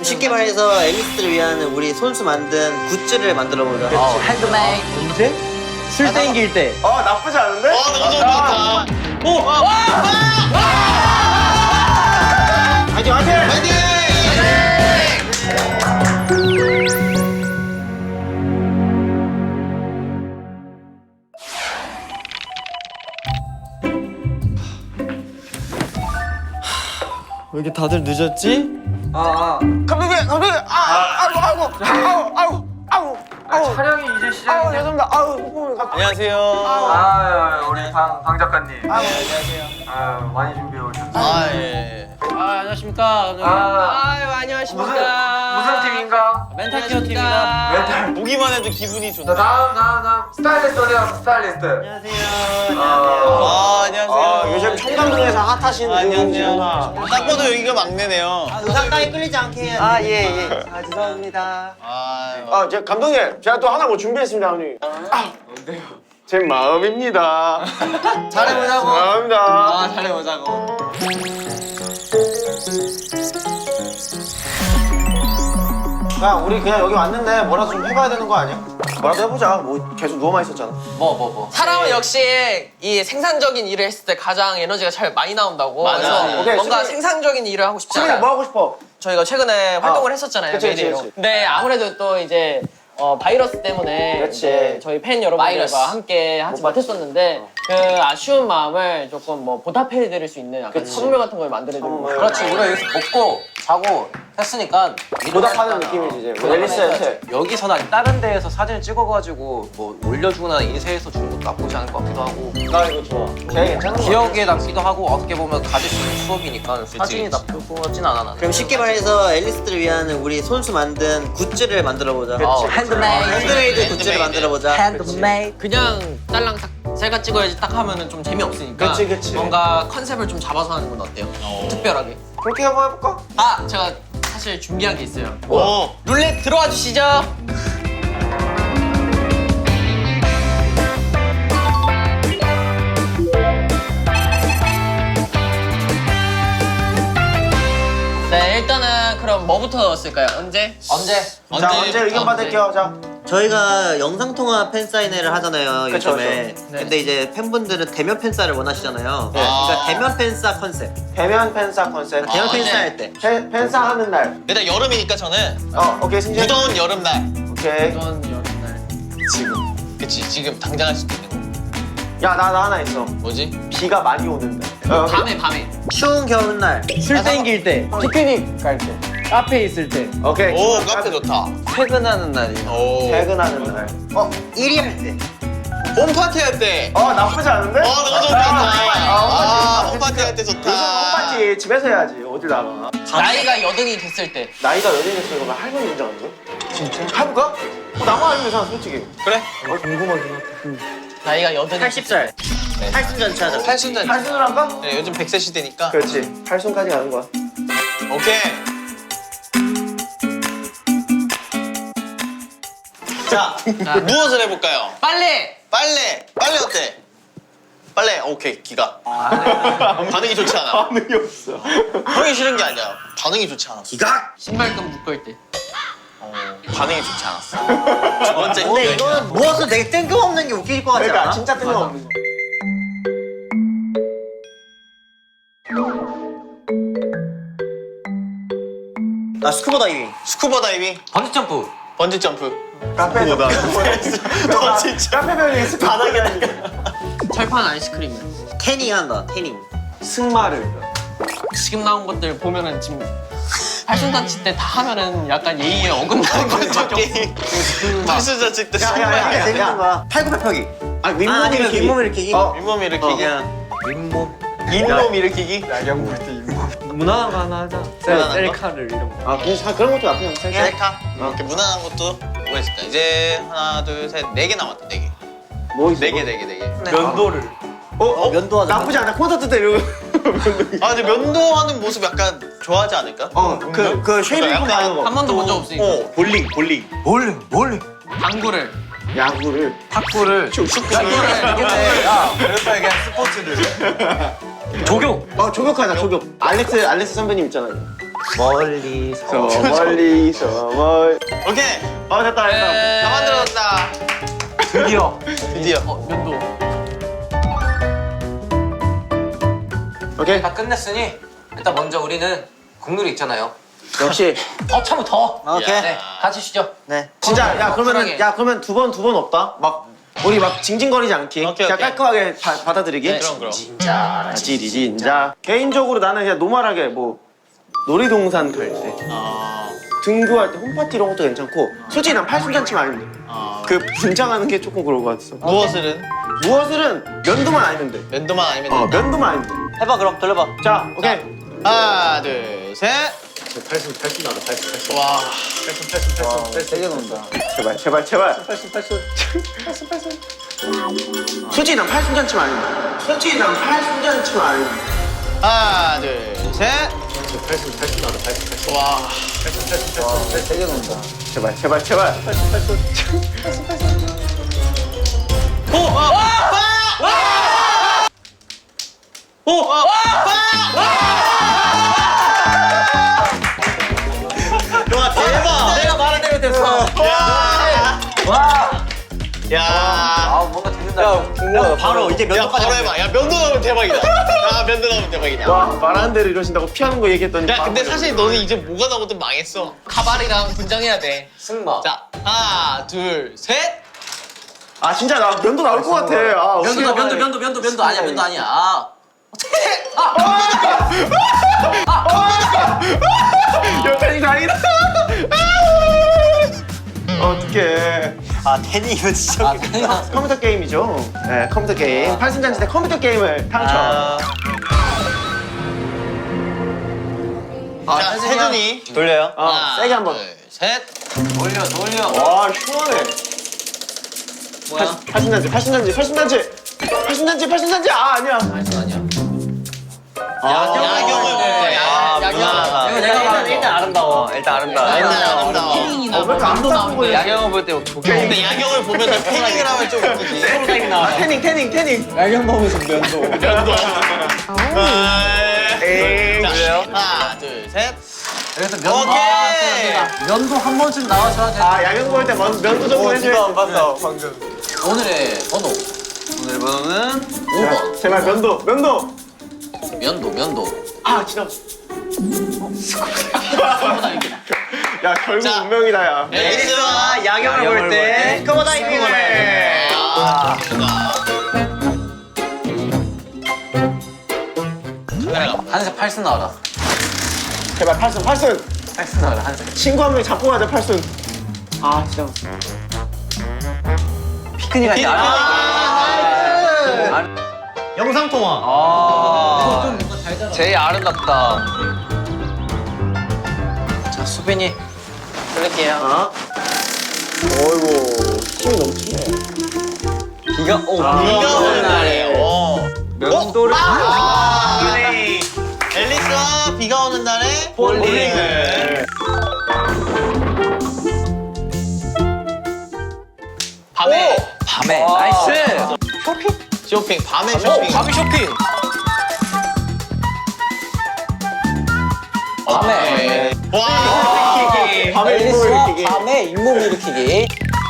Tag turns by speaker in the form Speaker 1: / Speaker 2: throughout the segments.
Speaker 1: 쉽게 말해서 앨리스를 위한 우리 손수 만든 굿즈를 만들어 보자.
Speaker 2: 핸드메이드.
Speaker 3: 언제? 술 땡길 때.
Speaker 4: 나쁘지 않은데?
Speaker 5: 너무 좋다.
Speaker 4: 화이팅 화이팅!
Speaker 5: 화이팅!
Speaker 3: 왜 이렇게 다들 늦었지?
Speaker 4: 감독님! 아이고
Speaker 2: 촬영이 이제 시작인데.
Speaker 4: 죄송합니다.
Speaker 5: 안녕하세요.
Speaker 2: 우리 방 작가님. 안녕하세요. 많이 준비해 오셨죠?
Speaker 5: 아 예.
Speaker 3: 안녕하십니까.
Speaker 2: 무슨 팀인가?
Speaker 3: 멘탈 케어 팀입니다.
Speaker 2: 멘탈.
Speaker 5: 보기만 해도 기분이
Speaker 2: 자,
Speaker 5: 좋네.
Speaker 2: 다음. 스타일리스트 어디야? 스타일리스트.
Speaker 1: 안녕하세요.
Speaker 5: 안녕하세요.
Speaker 4: 요즘 청담동에서 핫하신
Speaker 5: 안녕하세요. 딱 봐도 여기가 막내네요.
Speaker 1: 의상당에 끌리지 않게 해야 돼.
Speaker 4: 예.
Speaker 1: 죄송합니다.
Speaker 4: 제가 감독님, 제가 또 하나 뭐 준비했습니다, 형님.
Speaker 2: 뭔데요?
Speaker 4: 제 마음입니다.
Speaker 1: 잘해보자고.
Speaker 4: 감사합니다.
Speaker 1: 잘해보자고.
Speaker 4: 야, 우리 그냥 여기 왔는데 뭐라도 좀 해봐야 되는 거 아니야? 뭐라도 해보자. 뭐 계속 누워만 있었잖아.
Speaker 2: 뭐.
Speaker 6: 사람은 역시 이 생산적인 일을 했을 때 가장 에너지가 잘 많이 나온다고.
Speaker 5: 맞아.
Speaker 6: 그래서
Speaker 4: 오케이,
Speaker 6: 뭔가
Speaker 4: 수빈이-
Speaker 6: 생산적인 일을 하고 싶지
Speaker 4: 수빈이
Speaker 6: 않아요.
Speaker 4: 뭐 하고 싶어?
Speaker 6: 저희가 최근에 활동을 했었잖아요.
Speaker 4: 그치,
Speaker 6: 메이데이로.
Speaker 4: 그치.
Speaker 6: 근데 아무래도 또 이제 바이러스 때문에
Speaker 4: 그치.
Speaker 6: 이제 저희 팬 여러분들과
Speaker 2: 바이러스.
Speaker 6: 함께 하지
Speaker 4: 못 봤지.
Speaker 6: 못했었는데 그 아쉬운 마음을 조금 뭐 보답해드릴 수 있는 약간 선물 같은 걸 만들어드리고.
Speaker 4: 선물.
Speaker 7: 그렇지, 우리가 여기서 먹고 자고 했으니까
Speaker 4: 보답하는 느낌이지, 이제. 앨리스한테.
Speaker 7: 여기서나 다른 데에서 사진을 찍어가지고 뭐 올려주거나 인쇄해서 주는 것도 나쁘지 않을 것 같기도 하고
Speaker 4: 나 이거 좋아. 걔 괜찮은 거
Speaker 7: 기억에 남기도 하고 어떻게 보면 가질 수 있는 추억이니까 사진이 나쁘진 않아 나는.
Speaker 1: 그럼 쉽게 말해서 앨리스를 위한 우리 손수 만든 굿즈를 만들어 보자.
Speaker 7: 핸드메이드.
Speaker 1: 핸드메이드 굿즈를 만들어 보자.
Speaker 7: 핸드메이드.
Speaker 6: 그냥 딸랑 딱 셀카 찍어야지 딱 하면은 좀 재미없으니까
Speaker 4: 그치.
Speaker 6: 뭔가 컨셉을 좀 잡아서 하는 건 어때요? 특별하게.
Speaker 4: 그렇게 한번 해볼까?
Speaker 6: 제가 사실 준비한 게 있어요.
Speaker 5: 오.
Speaker 6: 룰렛 들어와 주시죠. 네, 일단은 그럼 뭐부터 넣었을까요? 언제?
Speaker 4: 자, 언제 의견 받을게요. 자.
Speaker 1: 저희가 영상통화 팬사인회를 하잖아요,
Speaker 4: 그쵸,
Speaker 1: 요즘에.
Speaker 4: 그쵸.
Speaker 1: 근데 이제 팬분들은 대면 팬사를 원하시잖아요.
Speaker 4: 네.
Speaker 1: 그러니까 대면 팬사 컨셉.
Speaker 4: 대면 팬사 컨셉.
Speaker 1: 대면 팬사
Speaker 6: 네.
Speaker 1: 할 때.
Speaker 4: 팬사 하는 날.
Speaker 5: 일단 여름이니까 저는
Speaker 4: 오케이, 승진.
Speaker 5: 무더운 여름날.
Speaker 4: 오케이.
Speaker 6: 이번 여름날.
Speaker 5: 지금. 그치, 지금 당장 할 수도 있는 거.
Speaker 4: 야, 나 하나 있어.
Speaker 5: 뭐지?
Speaker 4: 비가 많이 오는 날.
Speaker 6: 밤에.
Speaker 1: 추운 겨울날.
Speaker 3: 술 땡길 때. 피크닉 갈 때. 카페에 있을 때.
Speaker 4: 오케이.
Speaker 5: 오, 카페 좋다.
Speaker 7: 퇴근하는 날이.
Speaker 5: 오.
Speaker 4: 퇴근하는 날.
Speaker 1: 1위 할 때.
Speaker 5: 홈파티 할 때.
Speaker 4: 나쁘지 않은데?
Speaker 5: 너무 좋다. 홈파티 할 때
Speaker 4: 요즘
Speaker 5: 좋다.
Speaker 4: 홈파티 집에서 해야지. 어딜 나가.
Speaker 6: 나이가 여든이 됐을 때.
Speaker 4: 나이가 여전히 됐어. 그러면 할머니 인정하는 진짜? 해볼까? 나만 아니면 상 솔직히.
Speaker 5: 그래?
Speaker 4: 궁금하긴 하다.
Speaker 6: 나이가 여든이
Speaker 1: 80살. 80잔치 하자.
Speaker 5: 팔순잔.
Speaker 4: 팔순을 할까?
Speaker 5: 네, 요즘 100세 시대니까.
Speaker 4: 그렇지. 팔순까지 가는 거야.
Speaker 5: 오케이. 자, 무엇을 해볼까요?
Speaker 6: 빨리.
Speaker 5: 빨래 어때? 빨래 오케이 기가. 반응이 좋지 않아.
Speaker 4: 반응이 없어.
Speaker 5: 형이 싫은 게 아니야. 반응이 좋지 않았어.
Speaker 1: 기각!
Speaker 6: 신발끈 묶을 때.
Speaker 5: 반응이 좋지 않았어. 두 번째
Speaker 1: 근데
Speaker 5: 의견이야.
Speaker 1: 이거는 무엇을 되게 뜬금없는 게 웃길 것 같지
Speaker 4: 그러니까
Speaker 1: 않아?
Speaker 4: 진짜 뜬금없는 거.
Speaker 1: 스쿠버 다이빙.
Speaker 5: 스쿠버 다이빙,
Speaker 7: 번지 점프.
Speaker 5: 번지 점프.
Speaker 4: 카페에서
Speaker 5: 너 진짜.
Speaker 4: 카페면 습 바닥이 아니야.
Speaker 6: 철판 아이스크림.
Speaker 1: 태닝 한다, 태닝.
Speaker 4: 승마를.
Speaker 6: 지금 나온 것들 보면은 지금 팔순잔치 때 다 하면은 약간 예의에 어긋나는 것밖에 없어.
Speaker 5: 팔순잔 찍때
Speaker 4: 야.
Speaker 1: 재밌는 거야. 팔굽혀펴기.
Speaker 4: 윗몸
Speaker 1: 아니면
Speaker 4: 일으키기.
Speaker 1: 윗몸 일으키기.
Speaker 5: 윗몸 일으키기.
Speaker 7: 윗몸.
Speaker 5: 잇몸 일으키기.
Speaker 4: 야경 볼때 윗몸.
Speaker 3: 무난한 거 하나 하자.
Speaker 5: 무난한 거?
Speaker 3: 셀카를 이런 거.
Speaker 4: 그런 것도 나쁘지 않아.
Speaker 5: 셀카. 이렇게 무난한 것도 뭐가 있을까? 이제 하나, 둘, 셋, 4개 남았다. 4개.
Speaker 4: 뭐 있어?
Speaker 5: 4개.
Speaker 3: 면도를.
Speaker 1: 면도하자.
Speaker 4: 나쁘지 않아. 콘서트 때 이러고.
Speaker 5: 아 근데 면도하는 모습 약간 좋아하지 않을까?
Speaker 4: 그 쉐이빙
Speaker 5: 약간-
Speaker 4: 하는 거.
Speaker 6: 한 번도 본 적 없으니까.
Speaker 4: 볼링.
Speaker 7: 볼링.
Speaker 6: 당구를.
Speaker 4: 야구를.
Speaker 7: 탁구를.
Speaker 6: 당구를.
Speaker 7: 야, 그래서 얘기한 스포츠를.
Speaker 3: 조교.
Speaker 4: 조격하자, 조격. 알렉스 선배님 있잖아요. 멀리서 멀리서 멀.
Speaker 5: 오케이.
Speaker 4: 됐다 됐다.
Speaker 5: 다 만들어졌다.
Speaker 7: 드디어.
Speaker 5: 드디어.
Speaker 6: 면도.
Speaker 4: 오케이.
Speaker 7: 다 끝냈으니 일단 먼저 우리는 국룰이 있잖아요.
Speaker 4: 역시
Speaker 6: 더 참으면 더.
Speaker 1: 오케이.
Speaker 7: 네, 같이 쉬죠.
Speaker 1: 네.
Speaker 4: 진짜 야 그러면은
Speaker 7: 쿨하게.
Speaker 4: 야 그러면 두 번 없다. 막 우리 막 징징거리지 않기.
Speaker 5: 오케이,
Speaker 4: 그냥
Speaker 5: 오케이.
Speaker 4: 깔끔하게 받아들이기.
Speaker 5: 네, 그럼.
Speaker 4: 지리 진짜. 개인적으로 나는 그냥 노멀하게 뭐 놀이동산 갈 때, 등교할 때 홈파티 이런 것도 괜찮고. 솔직히 난 팔순잔치만 아니면 돼. 그 분장하는 게 조금 그런 거 같았어.
Speaker 5: 무엇을은?
Speaker 4: 무엇을은 면도만 아니면 돼.
Speaker 5: 면도만 아니면 된다.
Speaker 4: 면도만 아니면 돼.
Speaker 1: 해봐 그럼 돌려봐.
Speaker 4: 자, 오케이.
Speaker 5: 하나, 둘, 셋.
Speaker 4: 팔순 나다 팔순.
Speaker 5: 와.
Speaker 3: 세게 논다.
Speaker 4: 제발. 솔직히 난 팔순잔치만 아니면 돼. 솔직히 난 팔순잔치만 아니면 돼.
Speaker 5: 하나, 둘, 셋.
Speaker 4: 팔순 나다 팔순.
Speaker 5: 와.
Speaker 3: 세게 논다.
Speaker 4: 제발.
Speaker 5: 와, 대박.
Speaker 7: 내가 말한 대로 됐어.
Speaker 5: 야.
Speaker 7: 아 뭔가 듣는다.
Speaker 1: 바로 이제
Speaker 5: 야, 바로 해봐. 야, 면도 나오면 대박이다. 야, 면도 나오면 대박이다.
Speaker 4: 와, 말하는 대로 이러신다고 피하는 거 얘기했더니.
Speaker 5: 야, 근데 사실 너는 이제 뭐가 나오든 망했어.
Speaker 6: 가발이랑 분장해야 돼.
Speaker 7: 승마.
Speaker 5: 자, 하나, 둘, 셋.
Speaker 4: 아, 진짜 나 면도 나올 것 같아. 아,
Speaker 7: 면도다 면도 아니야 면도 아니야. 아.
Speaker 4: 옆에 이거 아니다. 어떡해.
Speaker 1: 아 테니 이거 진짜.
Speaker 7: 아 그냥
Speaker 4: 컴퓨터 게임이죠. 네, 컴퓨터 게임. 팔순잔치 때 컴퓨터 게임을 당첨.
Speaker 5: 자, 세준이.
Speaker 1: 돌려요.
Speaker 5: 하나,
Speaker 4: 세게 한 번.
Speaker 5: 둘, 셋.
Speaker 7: 돌려.
Speaker 4: 와, 시원해.
Speaker 7: 뭐야?
Speaker 4: 팔순잔치. 아, 아니야.
Speaker 7: 아니야.
Speaker 5: 야경을 볼 때.
Speaker 7: 이거 내가 말한
Speaker 1: 일단 아름다워. 일단 아름다워.
Speaker 5: 일단 아름다워.
Speaker 6: 패닝이나
Speaker 4: 왜 이렇게
Speaker 6: 면도
Speaker 4: 안
Speaker 6: 나오는
Speaker 4: 보여?
Speaker 6: 거.
Speaker 7: 야경을 볼 때 조개.
Speaker 5: 근데 야경을 보면 패닝을 하면 좀 웃기지.
Speaker 4: 아, 태닝.
Speaker 3: 야경 보면서 면도.
Speaker 5: 면도.
Speaker 4: 에이,
Speaker 5: 자,
Speaker 4: 그래요?
Speaker 5: 하나, 둘, 셋.
Speaker 7: 여기서 면도.
Speaker 5: 오케이.
Speaker 7: 면도 한 번쯤 나와줘야 돼.
Speaker 4: 아, 야경 볼 때 면도 좀 해줘.
Speaker 1: 봤어 방금.
Speaker 7: 오늘의 번호.
Speaker 1: 오늘 번호는
Speaker 7: 5번.
Speaker 4: 제발 면도.
Speaker 7: 면도.
Speaker 4: 아, 지나. 야, 결국
Speaker 5: 자.
Speaker 4: 운명이다, 야.
Speaker 5: 앨리스와
Speaker 1: 야경을 볼 때 스쿠버 다이빙을 해.
Speaker 5: 아, 카메라가.
Speaker 7: 한색 팔순 나와라.
Speaker 4: 제발, 팔순.
Speaker 7: 팔순 나와라 한색.
Speaker 4: 친구 한 명 잡고 가자, 팔순. 아, 진짜.
Speaker 1: 피크닉 할때 영상 통화.
Speaker 7: 아. 제일 아름답다. 자 수빈이.
Speaker 6: 돌릴게요.
Speaker 4: 아. 어이구, 힘이 넘치네.
Speaker 1: 비가
Speaker 5: 비가 오는 날에.
Speaker 7: 면도를.
Speaker 5: 앨리스와 비가 오는 날에
Speaker 4: 볼링을.
Speaker 5: 밤에
Speaker 7: 밤에. 나이스.
Speaker 5: 쇼핑. 밤에 쇼핑.
Speaker 7: 밤에 쇼핑. 밤에.
Speaker 5: 와.
Speaker 4: 밤에 인물 일으키기.
Speaker 7: 밤에 잇몸 일으키기.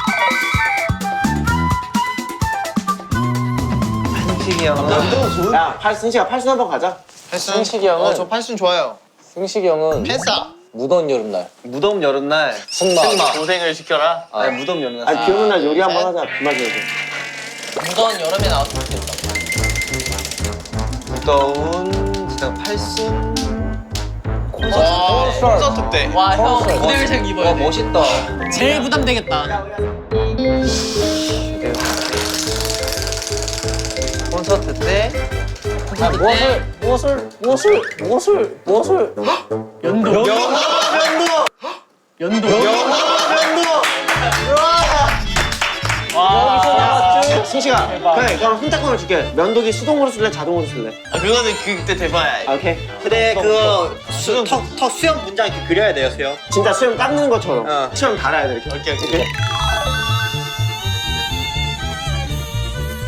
Speaker 1: 승식이 형은
Speaker 4: 야, 승식아, 팔순 한번 가자.
Speaker 5: 패슨.
Speaker 7: 승식이 형은-
Speaker 5: 저 패슨 좋아요.
Speaker 7: 승식이 형은
Speaker 5: 팬싸.
Speaker 7: 무더운 여름날.
Speaker 1: 무더운 여름날.
Speaker 7: 승마.
Speaker 5: 고생을 시켜라.
Speaker 1: 아니 무더운 여름날.
Speaker 4: 아니, 비 오는 날 요리 한번 하자. 비 맞아야 돼.
Speaker 6: 무더운 여름에 나왔으면 좋겠다.
Speaker 1: 무더운 진짜 팔순.
Speaker 5: 콘서트 때.
Speaker 6: 와, 형 무대 의상 입어야
Speaker 7: 와
Speaker 6: 돼.
Speaker 7: 멋있다.
Speaker 6: 제일 부담되겠다.
Speaker 1: 콘서트 때.
Speaker 7: 아, 무엇을
Speaker 6: 연도.
Speaker 4: 승식아, 그래, 그럼 선택권을 줄게. 면도기 수동으로 쓸래, 자동으로 쓸래?
Speaker 5: 아, 그거는 그때 대봐야.
Speaker 4: 아, 오케이.
Speaker 1: 근데 그거 턱 수영 문장 이렇게 그려야 돼요 수영.
Speaker 4: 진짜 수염 깎는 것처럼.
Speaker 1: 어.
Speaker 4: 수염 달아야 돼, 이렇게.
Speaker 5: 오케이.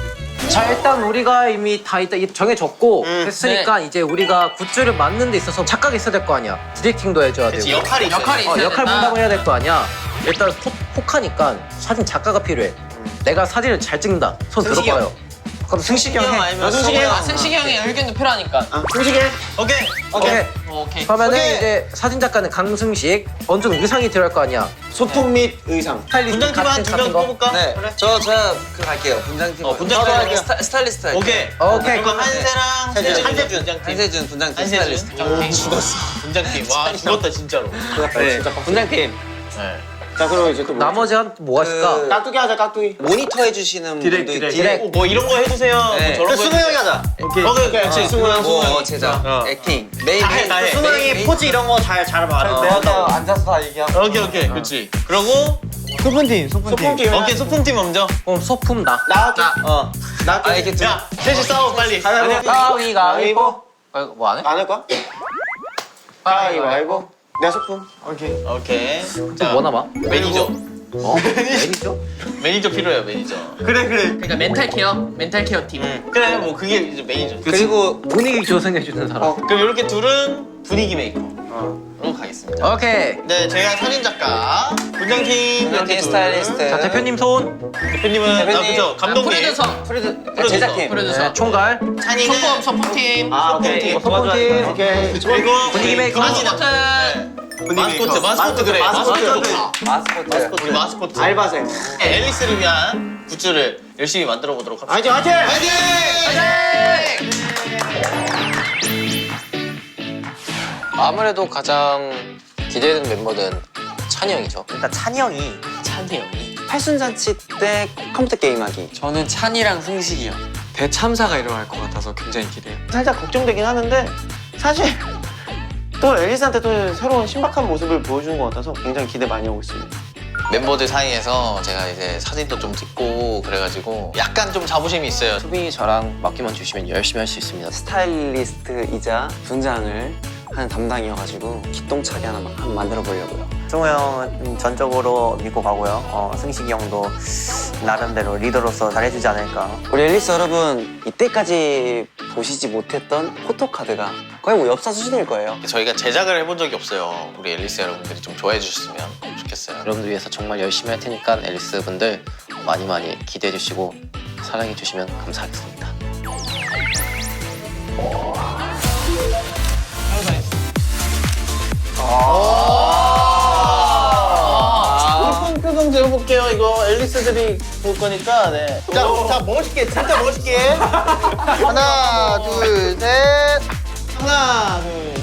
Speaker 7: 자 일단 우리가 이미 다 정해졌고 했으니까 이제 우리가 굿즈를 만드는 데 있어서 착각이 있어야 될 거 아니야. 디렉팅도 해줘야 되고.
Speaker 5: 그치, 역할이 있어요.
Speaker 6: 역할이 있어야
Speaker 7: 역할
Speaker 6: 된다.
Speaker 7: 분담을 해야 될 거 아니야. 일단 혹하니까 사진 작가가 필요해. 내가 사진을 잘 찍는다. 손
Speaker 1: 승식이
Speaker 7: 들어봐요. 그럼 승식이 형 해.
Speaker 1: 아니면
Speaker 4: 승식이 형.
Speaker 6: 승식이 형의 의견도 필요하니까.
Speaker 4: 승식이
Speaker 5: 오케이.
Speaker 7: 오케이.
Speaker 6: 오케이.
Speaker 7: 그러면은 이제 사진 작가는 강승식. 언제는 의상이 들어갈 거 아니야.
Speaker 4: 소품 및 의상.
Speaker 7: 스타일리스트
Speaker 5: 분장팀 한
Speaker 7: 같은
Speaker 5: 2명
Speaker 7: 같은 거.
Speaker 5: 뽑을까?
Speaker 1: 네.
Speaker 5: 그래.
Speaker 1: 제가 그 갈게요. 분장팀.
Speaker 5: 분장팀 할게요.
Speaker 1: 스타일리스트 할게요.
Speaker 5: 오케이.
Speaker 7: 오케이.
Speaker 5: 그럼 한세랑 한세준 분장팀.
Speaker 1: 한세준 분장팀
Speaker 5: 한세준
Speaker 1: 스타일리스트.
Speaker 5: 분장팀. 죽었어. 분장팀. 와 죽었다 진짜로.
Speaker 1: 네. 분장팀.
Speaker 5: 네.
Speaker 4: 자 그럼 이제 또 뭐?
Speaker 7: 나머지 한 뭐가 있을까?
Speaker 4: 깍두기 하자 깍두기.
Speaker 1: 모니터 해주시는 분들.
Speaker 7: 디렉.
Speaker 5: 뭐 이런 거 해주세요. 뭐 저런 거
Speaker 1: 수능 형이 하자.
Speaker 5: 오케이. 그렇지. 승우 형, 승우 형.
Speaker 1: 뭐 제작, 액팅, 메인.
Speaker 5: 다 해, 다 해.
Speaker 1: 수능 형이
Speaker 5: 포즈 이런 거 잘 봐라.
Speaker 1: 내가 앉아서 다 얘기하고.
Speaker 5: 오케이. 그렇지. 그러고
Speaker 4: 소품팀.
Speaker 5: 오케이 소품팀 먼저.
Speaker 7: 그럼 소품 나.
Speaker 4: 나할게. 나
Speaker 1: 아 이렇게 좀.
Speaker 5: 야 셋이 싸워 빨리.
Speaker 7: 가위바위보. 뭐 안 해?
Speaker 4: 안 할 거야? 가위바위보. 내 소품.
Speaker 5: 오케이. 자
Speaker 7: 뭐 남아?
Speaker 5: 매니저.
Speaker 7: 매니저?
Speaker 5: 매니저 필요해요 매니저.
Speaker 4: 그래.
Speaker 6: 그러니까 멘탈 케어 팀.
Speaker 5: 그래 뭐 그게 이제 매니저.
Speaker 7: 그리고 분위기 조성해주는 사람.
Speaker 5: 그럼 이렇게 둘은 분위기 메이커로 가겠습니다.
Speaker 7: 오케이.
Speaker 5: 네 제가 사진 작가, 분장팀 이렇게 둘.
Speaker 1: 스타일리스트.
Speaker 7: 자 대표님 손.
Speaker 5: 대표님은 그죠 감독님.
Speaker 6: 프로듀서.
Speaker 1: 제작팀.
Speaker 6: 프로듀서.
Speaker 7: 네, 총괄.
Speaker 5: 찬이는
Speaker 6: 소품팀.
Speaker 5: 소품팀.
Speaker 7: 소품팀.
Speaker 4: 오케이.
Speaker 5: 그리고
Speaker 7: 분위기 메이커.
Speaker 6: 마스코트.
Speaker 5: 마스코트 그래. 마스코트.
Speaker 1: 마스코트.
Speaker 5: 우리 마스코트.
Speaker 4: 알바생.
Speaker 5: 앨리스를 위한 굿즈를 열심히 만들어 보도록 합시다.
Speaker 4: 화이팅!
Speaker 7: 아무래도 가장 기대되는 멤버는 찬이 형이죠.
Speaker 1: 일단 찬이 형이
Speaker 6: 찬이 형이.
Speaker 1: 팔순잔치 때 컴퓨터 게임하기.
Speaker 8: 저는 찬이랑 승식이요. 대참사가 일어날 것 같아서 굉장히 기대해요.
Speaker 4: 살짝 걱정되긴 하는데 사실 또 앨리스한테 또 새로운 신박한 모습을 보여주는 것 같아서 굉장히 기대 많이 하고 있습니다.
Speaker 5: 멤버들 사이에서 제가 이제 사진도 좀 찍고 그래가지고 약간 좀 자부심이 있어요.
Speaker 7: 수빈이 저랑 맡기만 주시면 열심히 할 수 있습니다.
Speaker 1: 스타일리스트이자 분장을 하는 담당이어가지고 기똥차게 하나 한번 만들어 보려고요.
Speaker 9: 승우 형은 전적으로 믿고 가고요. 승식이 형도 나름대로 리더로서 잘해주지 않을까.
Speaker 1: 우리 앨리스 여러분, 이때까지 보시지 못했던 포토카드가 거의 뭐 엽사 수준일 거예요.
Speaker 5: 저희가 제작을 해본 적이 없어요. 우리 앨리스 여러분들이 좀 좋아해 주셨으면 좋겠어요.
Speaker 7: 여러분들 위해서 정말 열심히 할 테니까 앨리스 분들 많이 기대해 주시고 사랑해 주시면 감사하겠습니다.
Speaker 5: 손 표정 재어볼게요. 이거 앨리스들이 볼 거니까. 네. 자 멋있게, 진짜 멋있게. 하나, 둘, 셋. 하나, 둘,